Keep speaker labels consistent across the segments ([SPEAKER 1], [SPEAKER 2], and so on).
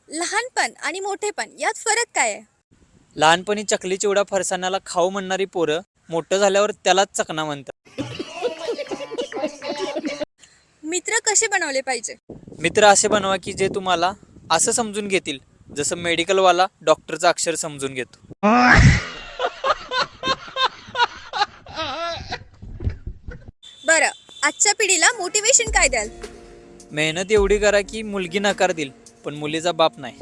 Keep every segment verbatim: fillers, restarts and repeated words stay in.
[SPEAKER 1] लहानपण आणि मोठेपण यात फरक काय आहे?
[SPEAKER 2] लहानपणी चकली चिवडा फरसाण्याला खाऊ म्हणणारी पोरं मोठं झाल्यावर त्यालाच चकना म्हणतात.
[SPEAKER 1] मित्र कसे बनवले पाहिजे?
[SPEAKER 2] मित्र असे बनवा की जे तुम्हाला असं समजून घेतील जसं मेडिकलवाला डॉक्टरचं अक्षर समजून घेतो.
[SPEAKER 1] बरं, आजच्या पिढीला मोटिवेशन काय द्याल?
[SPEAKER 2] मेहनत एवढी करा की मुलगी नकार देईल पण मुलीचा बाप नाही.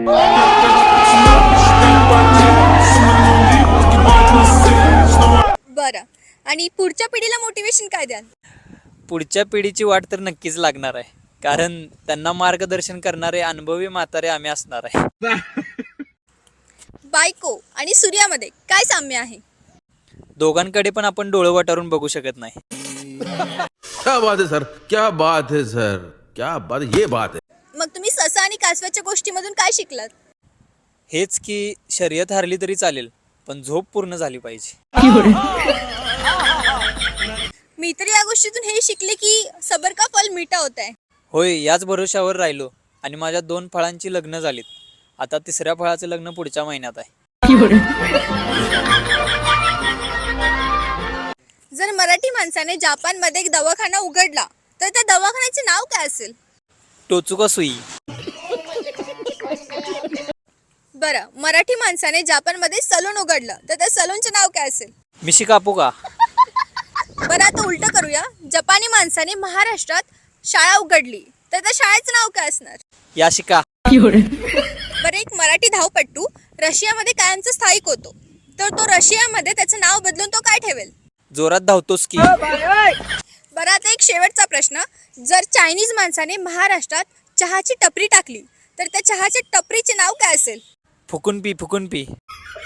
[SPEAKER 1] बरं, आणि पुढच्या पिढीला मोटिवेशन काय द्याल?
[SPEAKER 2] पुढच्या पिढीची वाट तर नक्कीच लागणार आहे, कारण त्यांना मार्गदर्शन करणारे अनुभवी म्हातारे आम्ही असणार आहे.
[SPEAKER 1] बायको आणि सूर्यामध्ये काय साम्य आहे?
[SPEAKER 2] दोघांकडे पण आपण डोळे वटारून बघू शकत नाही.
[SPEAKER 3] क्या बात है सर, क्या बात है सर, क्या बात है, ये बात है.
[SPEAKER 1] मग तुम्ही ससा आणि कासवाच्या गोष्टीमधून काय शिकलात?
[SPEAKER 2] हेच की शर्यत हारली तरी चालेल पण झोप पूर्ण झाली पाहिजे.
[SPEAKER 1] मी तर या गोष्टीतून हे शिकले की सबर का फल मीठा होता है.
[SPEAKER 2] होय, याच भरोशावर राहिलो आणि माझ्या दोन फळांची लग्न झालीत. आता तिसऱ्या फळाचं लग्न पुढच्या महिन्यात आहे.
[SPEAKER 1] जर मराठी माणसाने जपानमध्ये एक दवाखाना उघडला तर त्या दवाखान्याचे नाव काय असेल?
[SPEAKER 2] टोचुका सुई.
[SPEAKER 1] बरं, मराठी माणसाने जपानमध्ये सलून उघडलं तर त्या सलूनचे नाव काय असेल?
[SPEAKER 2] मिशी कापू का?
[SPEAKER 1] बरं, आता उलट करूया. जपानी माणसाने महाराष्ट्रात शाळा उघडली तर त्या शाळेचं नाव काय असणार?
[SPEAKER 2] या शिका.
[SPEAKER 1] बरं, एक मराठी धावपट्टू रशियामध्ये कायमचा स्थायिक होतो तर तो रशियामध्ये त्याचं नाव बदलून तो काय ठेवेल?
[SPEAKER 2] जोरात धावतोस की.
[SPEAKER 1] बरं, आता एक शेवटचा प्रश्न. जर चायनीज माणसाने महाराष्ट्रात चहाची टपरी टाकली तर त्या चहाच्या टपरीचे नाव काय असेल?
[SPEAKER 2] फुकून पी फुकून पी.